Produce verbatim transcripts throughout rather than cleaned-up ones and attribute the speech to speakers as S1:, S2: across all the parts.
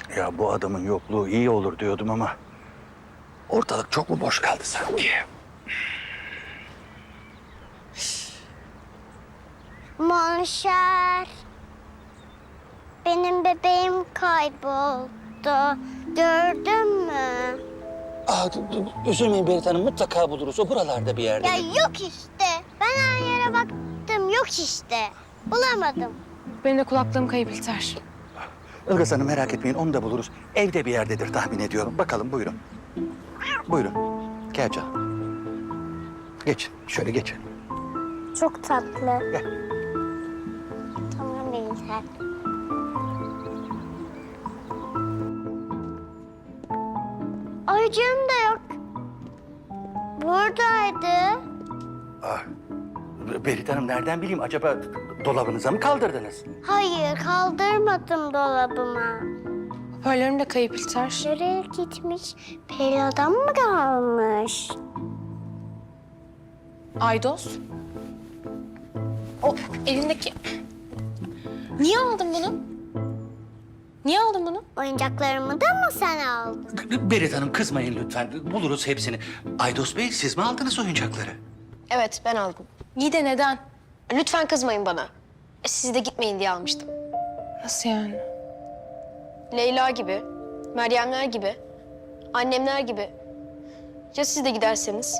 S1: Ya bu adamın yokluğu iyi olur diyordum ama ortalık çok mu boş kaldı sanki?
S2: Monşer. Benim bebeğim kayboldu. Gördün mü?
S1: Aa, üzülmeyin Berit Hanım, mutlaka buluruz. O buralarda bir yerde.
S2: Ya yok işte. Ben her yere baktım. Yok işte. Bulamadım.
S3: Benim de kulaklığım kayıp İlter.
S1: Ilgaz Hanım merak etmeyin, onu da buluruz. Evde bir yerdedir tahmin ediyorum. Bakalım, buyurun. Buyurun. Gel canım. Geç, şöyle geç.
S2: Çok tatlı.
S1: Gel.
S2: Tamam Bilter. Ayıcığım da yok. Buradaydı.
S1: Ah, Berit Hanım nereden bileyim? Acaba dolabınıza mı kaldırdınız?
S2: Hayır, kaldırmadım dolabıma.
S3: Hoparlörüm de kayıp İlter.
S2: Nereye gitmiş? Perilerden mı kalmış?
S3: Aydos. O elindeki... Niye aldın bunu? Niye aldın bunu?
S2: Oyuncaklarımı da mı sen aldın?
S1: Berit Hanım kızmayın lütfen. Buluruz hepsini. Aydos Bey, siz mi aldınız oyuncakları?
S4: Evet, ben aldım.
S3: İyi de neden?
S4: Lütfen kızmayın bana. E, siz de gitmeyin diye almıştım.
S3: Nasıl yani?
S4: Leyla gibi, Meryemler gibi, annemler gibi. Ya siz de giderseniz?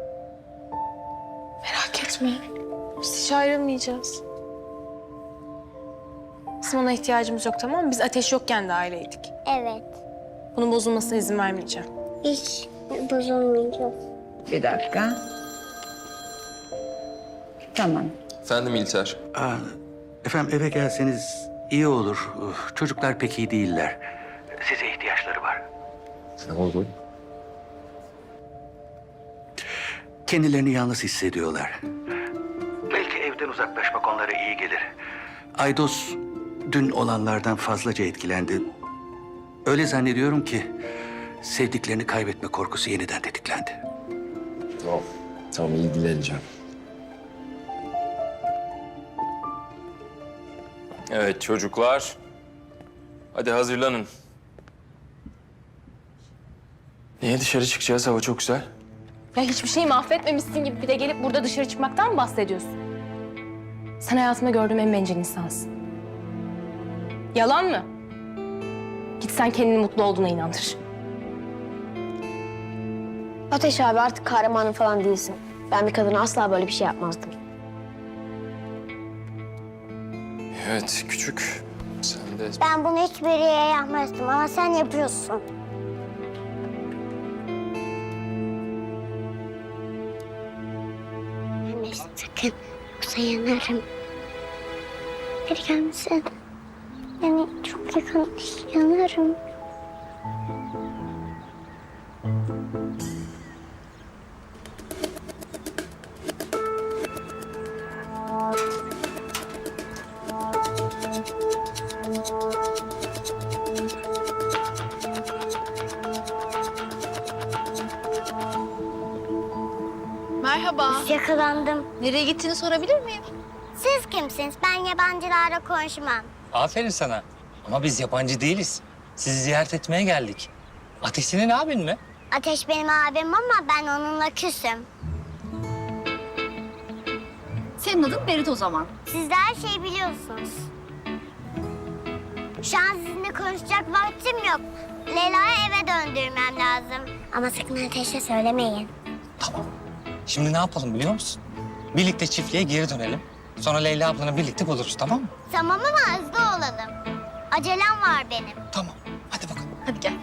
S3: Merak etme. Biz hiç ayrılmayacağız. Bizim ona ihtiyacımız yok, tamam mı? Biz Ateş yokken de aileydik.
S2: Evet.
S3: Bunun bozulmasına izin vermeyeceğim.
S2: Hiç bozulmayacağız.
S5: Bir dakika. Tamam.
S6: Efendim İlter.
S1: Aa, efendim eve gelseniz iyi olur. Uf, çocuklar pek iyi değiller. Size ihtiyaçları var.
S6: Ne oldu?
S1: Kendilerini yalnız hissediyorlar. Belki evden uzaklaşmak onlara iyi gelir. Aydos dün olanlardan fazlaca etkilendi. Öyle zannediyorum ki sevdiklerini kaybetme korkusu yeniden tetiklendi.
S6: Tamam. Tamam, ilgileneceğim. Evet çocuklar. Hadi hazırlanın. Niye dışarı çıkacağız? Hava çok güzel.
S3: Ya hiçbir şeyi mahvetmemişsin gibi bir de gelip burada dışarı çıkmaktan mı bahsediyorsun? Sen hayatımda gördüğüm en bencil insansın. Yalan mı? Git sen kendini mutlu olduğuna inandır.
S4: Ateş abi artık kahramanım falan değilsin. Ben bir kadına asla böyle bir şey yapmazdım.
S6: Evet küçük. Sen de...
S2: Ben bunu hiçbir yere yapmazdım ama sen yapıyorsun. Anne sakın yoksa yanarım. Bir gelmesin. Yani çok yakın yanarım.
S7: Merhaba.
S2: Yakalandım.
S7: Nereye gittiğini sorabilir miyim?
S2: Siz kimsiniz? Ben yabancılarla konuşmam.
S8: Aferin sana. Ama biz yabancı değiliz. Sizi ziyaret etmeye geldik. Ateş senin abin mi?
S2: Ateş benim abim ama ben onunla küsüm.
S7: Senin adın Berit o zaman.
S2: Siz de her şeyi biliyorsunuz. Şu an sizinle konuşacak vaktim yok. Leyla'yı eve döndürmem lazım. Ama sakın Ateş'e söylemeyin.
S8: Tamam. Şimdi ne yapalım biliyor musun? Birlikte çiftliğe geri dönelim. Sonra Leyla ablanı birlikte buluruz, tamam mı?
S2: Tamam ama hızlı olalım. Acelem var benim.
S8: Tamam. Hadi bakalım.
S7: Hadi gel.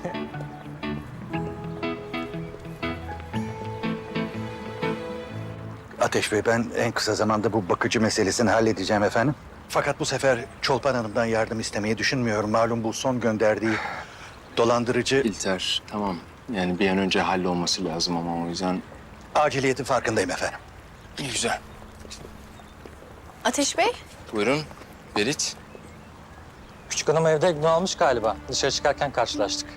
S1: Ateş Bey, ben en kısa zamanda bu bakıcı meselesini halledeceğim efendim. Fakat bu sefer Çolpan Hanım'dan yardım istemeyi düşünmüyorum. Malum bu son gönderdiği dolandırıcı...
S6: İlter tamam. Yani bir an önce hallolması lazım ama o yüzden...
S1: Aciliyetin farkındayım efendim.
S6: İyi güzel.
S7: Ateş Bey.
S6: Buyurun Berit.
S8: Küçük hanım evde gün almış galiba. Dışarı çıkarken karşılaştık.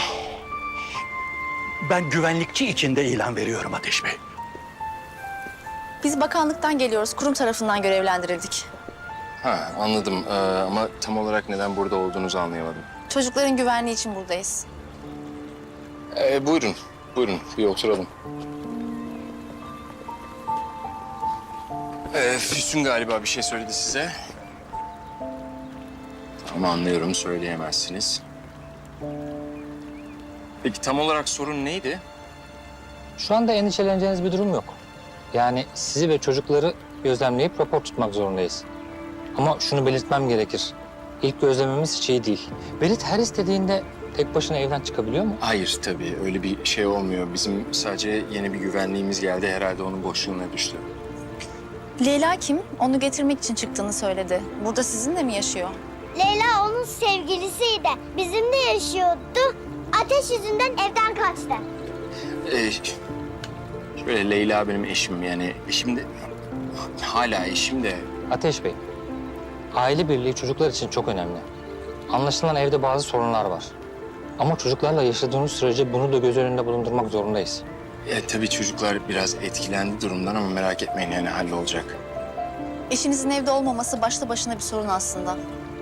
S1: Ben güvenlikçi içinde ilan veriyorum Ateş Bey.
S7: Biz bakanlıktan geliyoruz. Kurum tarafından görevlendirildik.
S6: Ha anladım ee, ama tam olarak neden burada olduğunuzu anlayamadım.
S7: Çocukların güvenliği için buradayız.
S6: Ee, buyurun, buyurun. Bir oturalım. Ee, Füsun galiba bir şey söyledi size. Ama anlıyorum, söyleyemezsiniz. Peki tam olarak sorun neydi?
S8: Şu anda endişeleneceğiniz bir durum yok. Yani sizi ve çocukları gözlemleyip rapor tutmak zorundayız. Ama şunu belirtmem gerekir. İlk gözlememiz hiç iyi değil. Berit her istediğinde tek başına evden çıkabiliyor mu?
S6: Hayır tabii, öyle bir şey olmuyor. Bizim sadece yeni bir güvenliğimiz geldi. Herhalde onun boşluğuna düştü.
S7: Leyla kim? Onu getirmek için çıktığını söyledi. Burada sizinle mi yaşıyor?
S2: Leyla onun sevgilisiydi. Bizimle yaşıyordu. Ateş yüzünden evden kaçtı.
S6: Ee, şöyle Leyla benim eşim yani eşim de hala eşim de
S8: Ateş Bey, aile birliği çocuklar için çok önemli. Anlaşılan evde bazı sorunlar var. Ama çocuklarla yaşadığınız sürece bunu da göz önünde bulundurmak zorundayız.
S6: e, tabii çocuklar biraz etkilendi durumdan ama merak etmeyin yani hallolacak.
S7: Eşinizin evde olmaması başlı başına bir sorun aslında.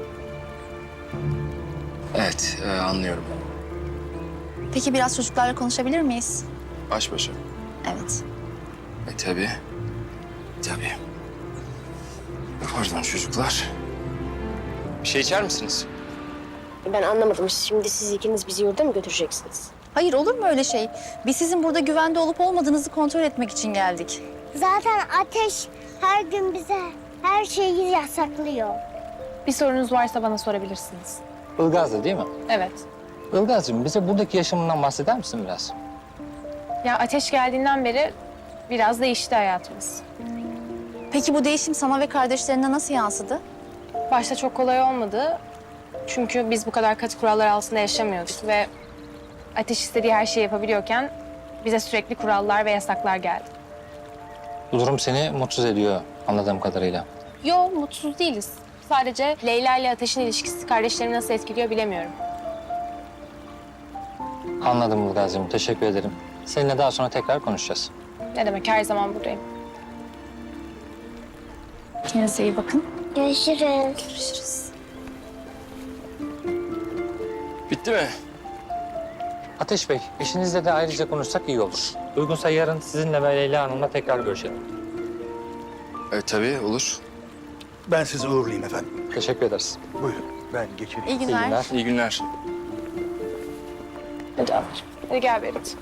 S6: Evet e, anlıyorum.
S7: Peki biraz çocuklarla konuşabilir miyiz?
S6: Baş başa.
S7: Evet.
S6: E tabii. Tabii. Pardon çocuklar. Bir şey içer misiniz?
S4: Ben anlamadım. Şimdi siz ikiniz bizi yurda mı götüreceksiniz?
S7: Hayır, olur mu öyle şey? Biz sizin burada güvende olup olmadığınızı kontrol etmek için geldik.
S2: Zaten Ateş her gün bize her şeyi yasaklıyor.
S3: Bir sorunuz varsa bana sorabilirsiniz.
S8: Ilgaz'da değil mi?
S3: Evet.
S8: Ilgaz'cığım bize buradaki yaşamından bahseder misin biraz?
S3: Ya Ateş geldiğinden beri biraz değişti hayatımız.
S7: Peki bu değişim sana ve kardeşlerine nasıl yansıdı?
S3: Başta çok kolay olmadı. Çünkü biz bu kadar katı kurallar altında yaşamıyorduk ve Ateş istediği her şeyi yapabiliyorken bize sürekli kurallar ve yasaklar geldi.
S8: Bu durum seni mutsuz ediyor anladığım kadarıyla.
S3: Yo, mutsuz değiliz. Sadece Leyla ile Ateş'in ilişkisi kardeşlerimi nasıl etkiliyor bilemiyorum.
S8: Anladım Ilgaz'cığım, teşekkür ederim. Seninle daha sonra tekrar konuşacağız.
S3: Ne demek, her zaman buradayım.
S7: Kendinize iyi bakın.
S2: Görüşürüz.
S7: Görüşürüz.
S6: Bitti mi?
S8: Ateş Bey, eşinizle de ayrıca konuşsak iyi olur. Uygunsa yarın sizinle ve Leyla Hanım'la tekrar görüşelim.
S6: E tabii olur.
S1: Ben sizi uğurlayayım efendim.
S8: Teşekkür ederiz.
S1: Buyurun, ben geçireyim.
S7: İyi
S8: İyi
S7: günler.
S8: günler.
S6: İyi günler.
S3: Hadi ablacığım. Hadi gel Berit.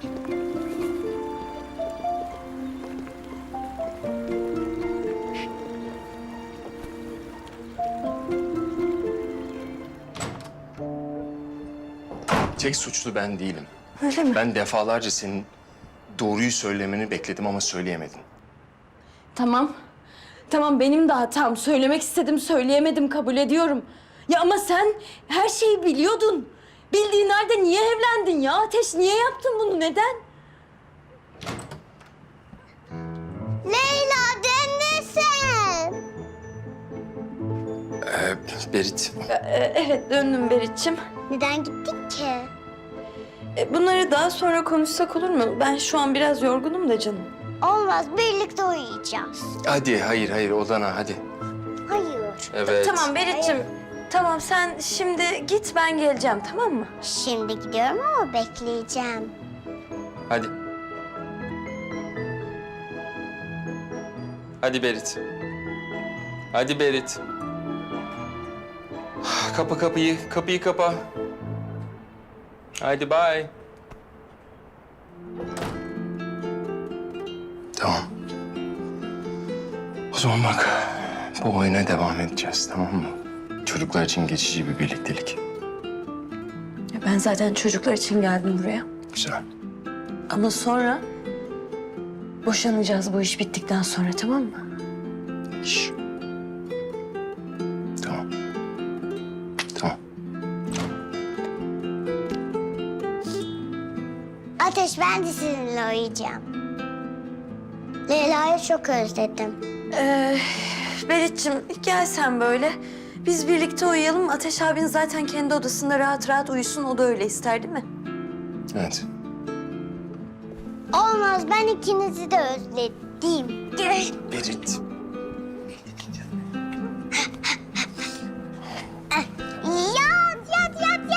S6: Tek suçlu ben değilim. Öyle mi? Ben defalarca senin doğruyu söylemeni bekledim ama söyleyemedin.
S9: Tamam. Tamam benim de hatam. Söylemek istedim, söyleyemedim, kabul ediyorum. Ya ama sen her şeyi biliyordun. Bildiğin halde niye evlendin ya? Ateş niye yaptın bunu? Neden?
S2: Leyla döndün sen.
S6: Ee, Berit,
S9: Ee, evet döndüm Berit'ciğim.
S2: Neden gittik ki?
S9: Ee, bunları daha sonra konuşsak olur mu? Ben şu an biraz yorgunum da canım.
S2: Olmaz, birlikte uyuyacağız.
S6: hadi hayır hayır odana hadi.
S2: Hayır.
S6: Evet.
S9: Tamam Berit'ciğim. Tamam sen şimdi git ben geleceğim tamam mı?
S2: Şimdi gidiyorum ama bekleyeceğim.
S6: Hadi. Hadi Berit. Hadi Berit. Kapa kapıyı, kapıyı kapa. Hadi bye. Tamam. O zaman bak, bu oyuna devam edeceğiz, tamam mı? Çocuklar için geçici bir birliktelik.
S9: Ya ben zaten çocuklar için geldim buraya.
S6: Güzel.
S9: Ama sonra boşanacağız bu iş bittikten sonra tamam mı?
S6: Şş. Tamam. Tamam.
S2: Ateş, ben de sizinle uyuyacağım. Leyla'yı çok özledim.
S9: Ee, Berit'ciğim gel sen böyle. Biz birlikte uyuyalım. Ateş abin zaten kendi odasında rahat rahat uyusun. O da öyle ister değil mi?
S6: Evet.
S2: Olmaz, ben ikinizi de özledim.
S6: Berit.
S2: Yat, yat, yat,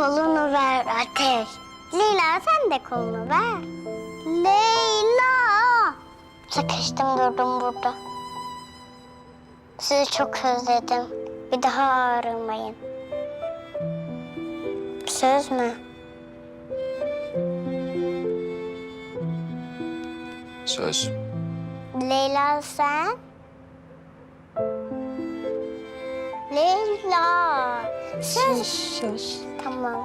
S2: Kolunu ver Ateş. Leyla sen de kolunu ver. Leyla. Sıkıştım durdum burada. Sizi çok özledim. Bir daha ayrılmayın. Söz mü?
S6: Söz.
S2: Leyla sen? Leyla. Söz. Söz. Tamam.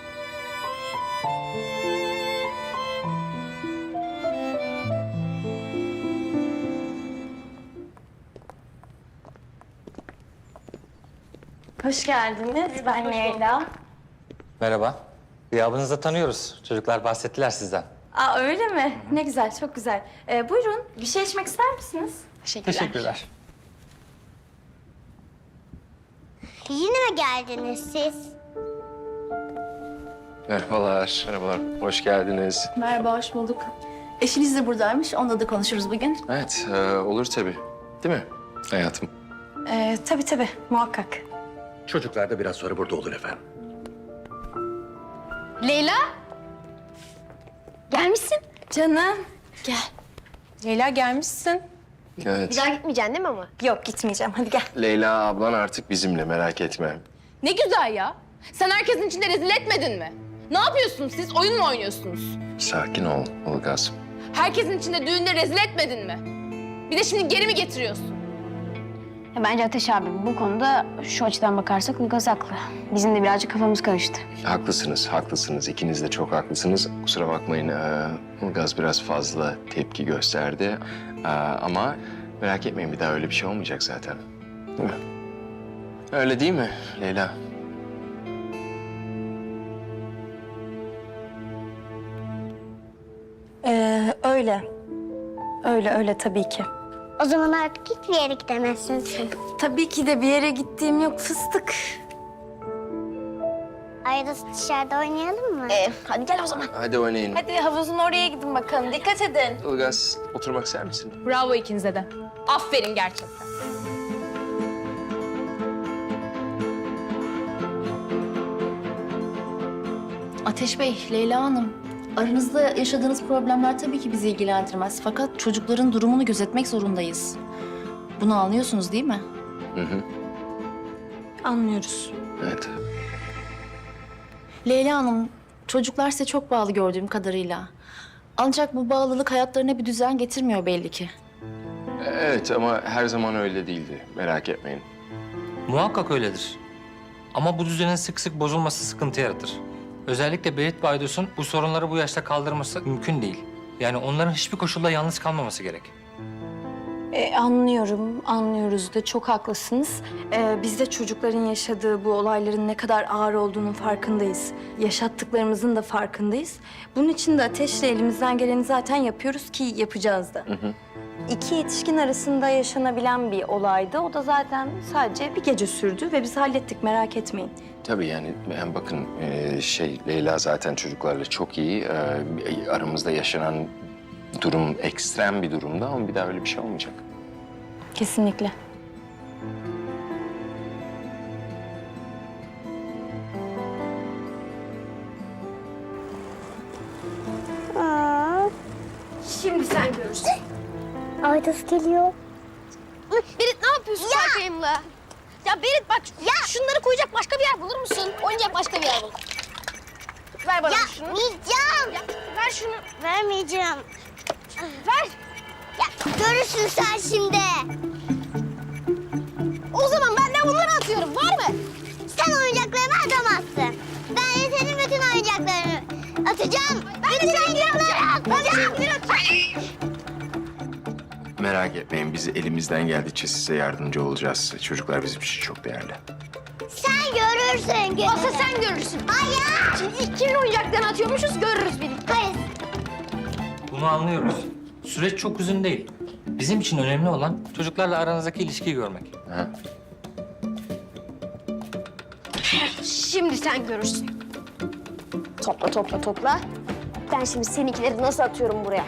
S9: Hoş geldiniz. Ben Leyla.
S8: Merhaba. Gıyabınızı da tanıyoruz. Çocuklar bahsettiler sizden.
S9: Aa öyle mi? Ne güzel, çok güzel. Ee, buyurun, bir şey içmek ister misiniz? Teşekkürler.
S8: Teşekkürler.
S2: Yine mi geldiniz siz?
S6: Merhabalar, merhabalar. Hoş geldiniz.
S7: Merhaba, hoş bulduk. Eşiniz de buradaymış. Onunla da konuşuruz bugün.
S6: Evet, e, olur tabii. Değil mi hayatım?
S9: Ee, tabii tabii, muhakkak.
S1: Çocuklar da biraz sonra burada olur efendim.
S3: Leyla.
S9: Gelmişsin. Canım, gel.
S3: Leyla gelmişsin.
S6: Evet.
S4: Bir daha gitmeyeceksin değil mi ama?
S9: Yok, gitmeyeceğim. Hadi gel.
S6: Leyla ablan artık bizimle, merak etme.
S3: Ne güzel ya. Sen herkesin içinde rezil etmedin mi? Ne yapıyorsunuz siz? Oyun mu oynuyorsunuz?
S6: Sakin ol Ilgaz.
S3: Herkesin içinde düğünde rezil etmedin mi? Bir de şimdi geri mi getiriyorsun?
S4: Ya bence Ateş abi bu konuda şu açıdan bakarsak Ilgaz haklı. Bizim de birazcık kafamız karıştı.
S6: Haklısınız, haklısınız. İkiniz de çok haklısınız. Kusura bakmayın, ee, Ilgaz biraz fazla tepki gösterdi. Ee, ama merak etmeyin, bir daha öyle bir şey olmayacak zaten. Değil mi? Öyle değil mi Leyla?
S9: Ee, öyle. Öyle, öyle tabii ki.
S2: O zaman artık hiçbir yere gidemezsin sen.
S9: Tabii ki de bir yere gittiğim yok fıstık.
S2: Arada dışarıda oynayalım mı?
S9: Ee, hadi gel o zaman.
S6: Hadi oynayın.
S9: Hadi havuzun oraya gidin bakalım. Dikkat edin.
S6: Ilgaz, oturmak ister misin?
S3: Bravo ikinize de. Aferin gerçekten.
S7: Ateş Bey, Leyla Hanım. Aranızda yaşadığınız problemler tabii ki bizi ilgilendirmez. Fakat çocukların durumunu gözetmek zorundayız. Bunu anlıyorsunuz değil mi?
S6: Hı hı.
S9: Anlıyoruz.
S6: Evet.
S7: Leyla Hanım, çocuklar size çok bağlı gördüğüm kadarıyla. Ancak bu bağlılık hayatlarına bir düzen getirmiyor belli ki.
S6: Evet ama her zaman öyle değildi. Merak etmeyin.
S8: Muhakkak öyledir. Ama bu düzenin sık sık bozulması sıkıntı yaratır. Özellikle Berit ve Aydos'un bu sorunları bu yaşta kaldırması mümkün değil. Yani onların hiçbir koşulda yalnız kalmaması gerek.
S9: Ee, anlıyorum, anlıyoruz da çok haklısınız. Ee, biz de çocukların yaşadığı bu olayların ne kadar ağır olduğunun farkındayız. Yaşattıklarımızın da farkındayız. Bunun için de Ateş'le elimizden geleni zaten yapıyoruz ki yapacağız da.
S6: Hı hı.
S9: İki yetişkin arasında yaşanabilen bir olaydı. O da zaten sadece bir gece sürdü ve biz hallettik, merak etmeyin.
S6: Tabii yani, yani bakın e, şey Leyla zaten çocuklarla çok iyi. E, aramızda yaşanan durum ekstrem bir durumda ama bir daha öyle bir şey olmayacak.
S9: Kesinlikle.
S2: Aa,
S4: Şimdi sen görürsün.
S2: Aydos geliyor.
S4: Berit ne yapıyorsun Serkay'ımla? Ya Berit bak ya. Şunları koyacak başka bir yer bulur musun? Oynayacak başka bir yer bul. Ver bana
S2: Ya
S4: şunu.
S2: yiyeceğim.
S4: Ya, ver şunu.
S2: Vermeyeceğim.
S4: Ver.
S2: Ya görürsün sen şimdi.
S4: O zaman ben de bunları atıyorum. Var mı?
S2: Sen oyuncaklarımı atamazsın. Ben de senin bütün oyuncaklarını atacağım.
S4: Ben de seninkileri atacağım. Ben de seninkileri atacağım.
S6: Merak etmeyin, biz elimizden geldikçe size yardımcı olacağız. Çocuklar bizim için çok değerli.
S2: Sen görürsün gününü.
S4: Olsa sen görürsün.
S2: Hayır.
S4: Şimdi ilk kimin oyuncaklarını atıyormuşuz görürüz birlikte.
S2: Hayır.
S8: Bunu anlıyoruz. Süreç çok uzun değil. Bizim için önemli olan çocuklarla aranızdaki ilişkiyi görmek.
S6: Ha?
S4: Şimdi sen görürsün. Topla topla topla. Ben şimdi seninkileri nasıl atıyorum buraya?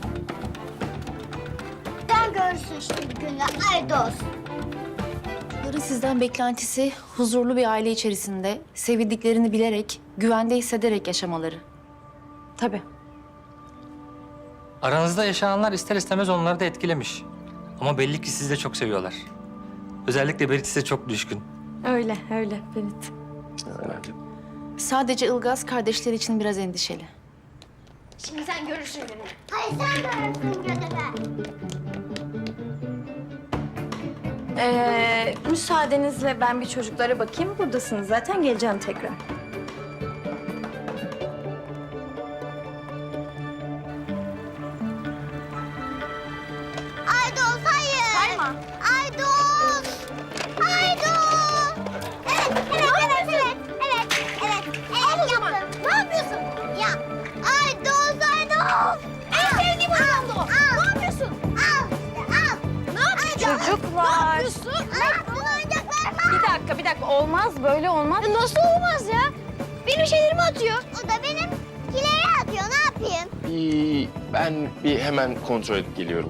S2: Sen görürsün şimdi gününü Aydos.
S7: Çocukların sizden beklentisi huzurlu bir aile içerisinde sevildiklerini bilerek, güvende hissederek yaşamaları.
S9: Tabii.
S8: Aranızda yaşananlar ister istemez onları da etkilemiş. Ama belli ki sizi de çok seviyorlar. Özellikle Berit size çok düşkün.
S9: Öyle, öyle Berit.
S6: Evet.
S7: Sadece Ilgaz kardeşleri için biraz endişeli.
S4: Şimdi sen görürsün gününü.
S2: Hayır sen görürsün gözünü.
S9: Ee, müsaadenizle ben bir çocuklara bakayım. Buradasınız zaten, geleceğim tekrar.
S2: Aydos hayır. Sayma. Aydos. Aydos. Evet, evet, evet, evet, evet, evet, evet yaptım. Ne yapıyorsun? Ya, Aydos, Aydos.
S4: En sevdiğim adamdı o. Ne yapıyorsun?
S2: Al, al.
S4: Ne yapıyorsun?
S9: Çocuklar.
S4: Ne yapıyorsun?
S2: Ne yaptın oyuncaklarıma?
S9: Bir dakika, bir dakika. Olmaz, böyle olmaz.
S4: Ya nasıl olmaz ya? Benim şeylerimi atıyor.
S2: O da benim kileri atıyor, ne yapayım?
S6: Bir, ben bir hemen kontrol edip geliyorum.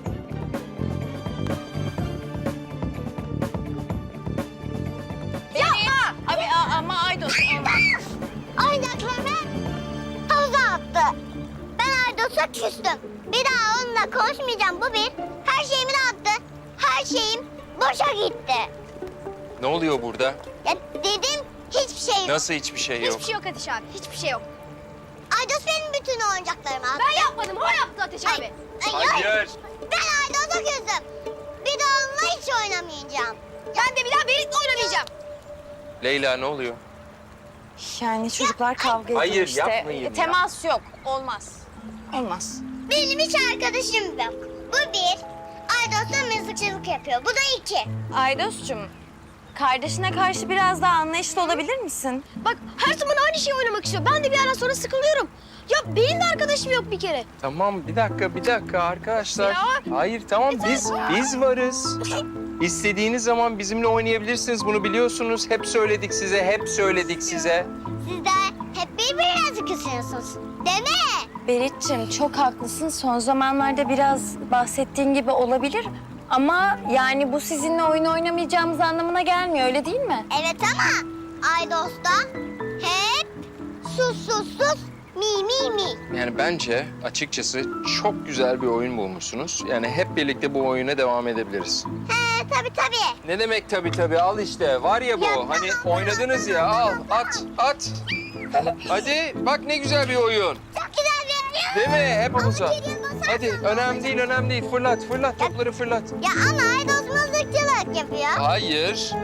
S9: Abi ama Aydos.
S2: Oyuncaklarımı havuza attı. Ben Aydos'a küstüm. Bir daha onunla konuşmayacağım, bu bir. Her şeyimi de attı. Her şeyim boşa gitti.
S6: Ne oluyor burada?
S2: Ya dedim, hiçbir şey yok.
S6: Nasıl hiçbir şey yok?
S4: Hiçbir şey yok Ateş abi. Hiçbir şey yok.
S2: Aydos benim bütün oyuncaklarımı attı.
S4: Ben yapmadım. O yaptı Ateş
S2: Ay,
S4: abi.
S2: ay, ay.
S6: Hayır.
S2: Ben Aydos'a küstüm. Bir daha onunla hiç oynamayacağım.
S4: Ben de bir daha Berit'le oynamayacağım.
S6: Leyla ne oluyor?
S9: Yani çocuklar kavga ediyor
S6: Hayır,
S9: işte.
S6: yapmayın ya.
S9: Temas yok. Olmaz. Olmaz.
S2: Benim hiç arkadaşım yok. Bu bir. Aydos'la mızıkçılık yapıyor. Bu da iki.
S9: Aydos'cum, kardeşine karşı biraz daha anlayışlı olabilir misin?
S4: Bak her zaman aynı şeyi oynamak istiyor. Ben de bir ara sonra sıkılıyorum. Ya benim de arkadaşım yok bir kere.
S6: Tamam bir dakika bir dakika arkadaşlar.
S4: Ya.
S6: Hayır tamam biz biz varız. İstediğiniz zaman bizimle oynayabilirsiniz, bunu biliyorsunuz. Hep söyledik size, hep söyledik size.
S2: Siz de hep birbirinizi kısıyorsunuz. Değil mi?
S9: Berit'ciğim çok haklısın. Son zamanlarda biraz bahsettiğin gibi olabilir. Ama yani bu sizinle oyun oynamayacağımız anlamına gelmiyor, öyle değil mi?
S2: Evet ama Aydos'ta hep sus sus sus mi mi mi.
S6: Yani bence açıkçası çok güzel bir oyun bulmuşsunuz. Yani hep birlikte bu oyuna devam edebiliriz.
S2: He tabii tabii.
S6: Ne demek tabii tabii, al işte. Var ya bu,
S2: Ya,
S6: hani
S2: tamam,
S6: oynadınız ya, al, at, at. Hadi, bak ne güzel bir oyun.
S2: Çok güzel bir oyun.
S6: Değil mi? Hep havuza.
S2: Ama geriye basarsan
S6: Hadi, önemli değil, önemli değil. Fırlat, fırlat, topları fırlat.
S2: Ya ama Aydos mızıkçılık yapıyor.
S6: Hayır.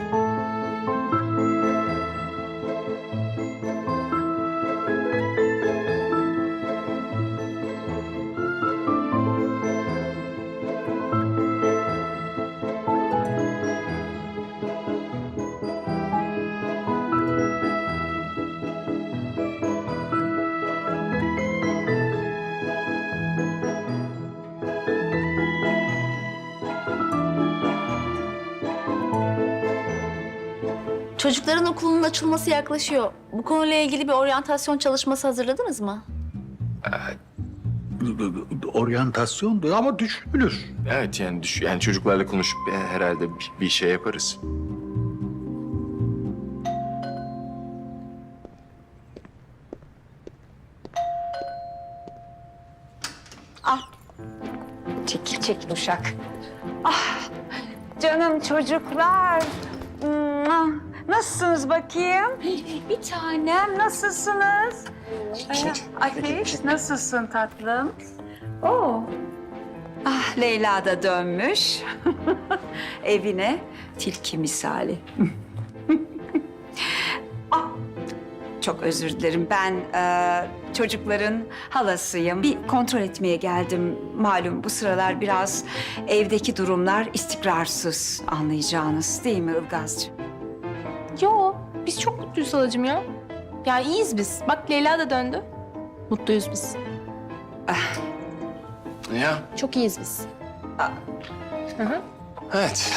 S7: Çocukların okulunun açılması yaklaşıyor. Bu konuyla ilgili bir oryantasyon çalışması hazırladınız mı?
S1: Oryantasyondu ama düşünülür.
S6: Evet yani düş yani çocuklarla konuşup e, herhalde bir, bir şey yaparız.
S5: Çekil çekil uşak. Ah canım çocuklar. Mua! Nasılsınız bakayım? Bir tanem nasılsınız? Ateş nasılsın tatlım? Oo. Ah Leyla da dönmüş. Evine tilki misali. Ah, çok özür dilerim. Ben e, çocukların halasıyım. Bir kontrol etmeye geldim. Malum bu sıralar biraz evdeki durumlar istikrarsız, anlayacağınız değil mi Ilgazcığım?
S3: Yo, biz çok mutluyuz halacığım ya. Ya iyiyiz biz. Bak Leyla da döndü. Mutluyuz biz.
S6: Ya
S3: Çok iyiyiz biz. Hı hı.
S6: evet.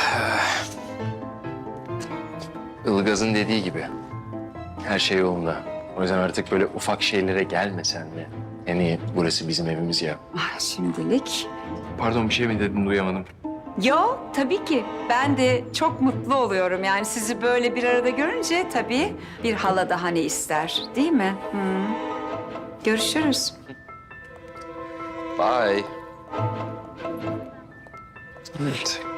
S6: Ilgaz'ın dediği gibi her şey yolunda. O yüzden artık böyle ufak şeylere gelmesen de. Yani burası bizim evimiz ya.
S5: Ah, şimdilik
S6: Pardon bir şey mi dedin, duyamadım.
S5: Yo, tabii ki. Ben de çok mutlu oluyorum. Yani sizi böyle bir arada görünce tabii bir hala daha ne ister, değil mi? Hı. Görüşürüz.
S6: Bye. Evet.